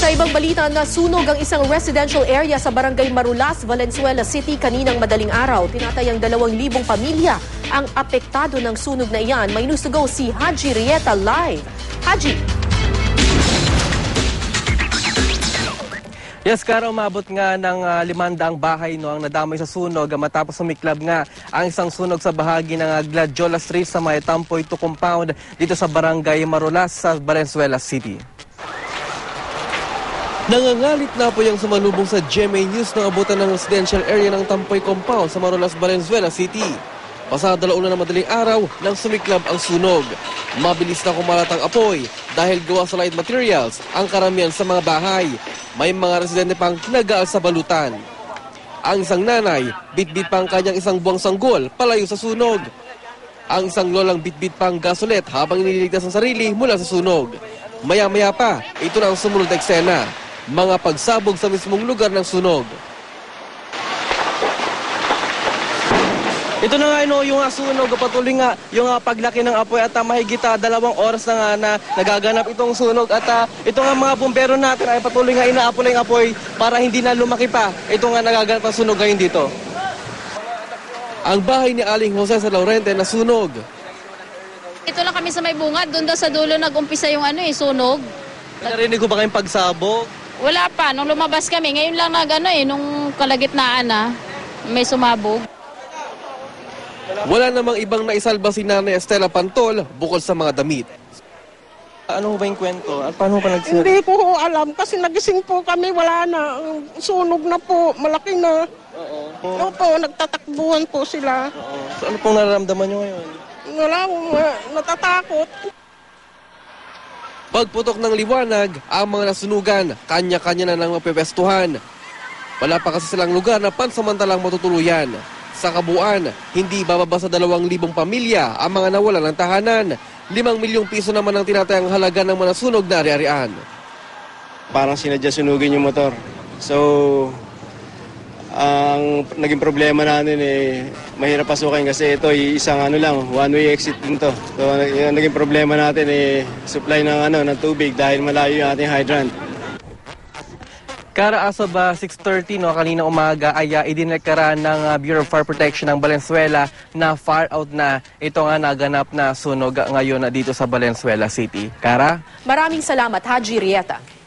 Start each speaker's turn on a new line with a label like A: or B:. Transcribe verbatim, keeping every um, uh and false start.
A: Sa ibang balita, nasunog ang isang residential area sa barangay Marulas, Valenzuela City kaninang madaling araw. Tinatayang dalawang libong pamilya ang apektado ng sunog na iyan. May news to go si Haji Rieta live. Haji!
B: Yes, Kara, umabot nga ng uh, limandaang bahay no, ang nadamay sa sunog matapos sumiklab nga ang isang sunog sa bahagi ng uh, Gladiola Street sa may Tampoy two compound dito sa barangay Marulas sa Valenzuela City. Nangangalit na po yung sumalubong sa G M A News ng abutan ng residential area ng Tampoy compound sa Marulas, Valenzuela City. Pasado alauna ng madaling araw nang sumiklab ang sunog. Mabilis na kumalat ang apoy dahil gawa sa light materials ang karamihan sa mga bahay. May mga residente pang nagaal sa balutan. Ang isang nanay, bitbit pang kanyang isang buwang sanggol palayo sa sunog. Ang isang lolang bitbit pang gasolet habang nililigtas ang sarili mula sa sunog. Maya-maya pa, ito na ang sumunod na eksena. Mga pagsabog sa mismong lugar ng sunog. Ito na nga no, yung uh, sunog, patuloy nga yung uh, paglaki ng apoy at uh, mahigit uh, dalawang oras na nga na nagaganap itong sunog at uh, ito nga mga bumbero natin ay patuloy nga inaapoy yung apoy para hindi na lumaki pa. Ito nga nagaganap ang sunog ngayon dito. Ang bahay ni Aling Jose sa Laurente na sunog.
C: Ito lang kami sa may bungad, doon daw sa dulo nag-umpisa yung ano eh, sunog.
B: Narinig ko ba kayong pagsabog?
C: Wala pa, nung lumabas kami, ngayon lang nag ano eh, nung kalagitnaan na may sumabog.
B: Wala namang ibang naisalba si Nanay Estela Pantol bukod sa mga damit. Ano ba yung kwento? At paano pa nagsira?
D: Hindi ko ho alam kasi nagising po kami, wala na. Sunog na po, malaki na.
B: Oo.
D: Opo, nagtatakbuhan po sila.
B: Oo. So ano pong nararamdaman nyo ngayon?
D: Wala, uh, natatakot.
B: Pagputok ng liwanag, ang mga nasunugan, kanya-kanya na nang mapepestuhan. Wala pa kasi silang lugar na pansamantalang matutuluyan. Sa kabuuan, hindi bababa sa dalawang libong pamilya ang mga nawalan ng tahanan. Limang milyong piso naman ang tinatayang halaga ng mga sunog na ari-arian.
E: Parang sinadya sunugin yung motor. So, ang naging problema natin eh, mahirap pasukin kasi ito isang ano lang, one-way exit din to. So, yung naging problema natin eh, supply ng, ano, ng tubig dahil malayo yung ating hydrant.
B: Kara, as of uh, six thirty no, kanina umaga ay uh, idineklara ng uh, Bureau of Fire Protection ng Valenzuela na far out na ito nga naganap na sunog ngayon uh, dito sa Valenzuela City. Kara?
A: Maraming salamat, Haji Rieta.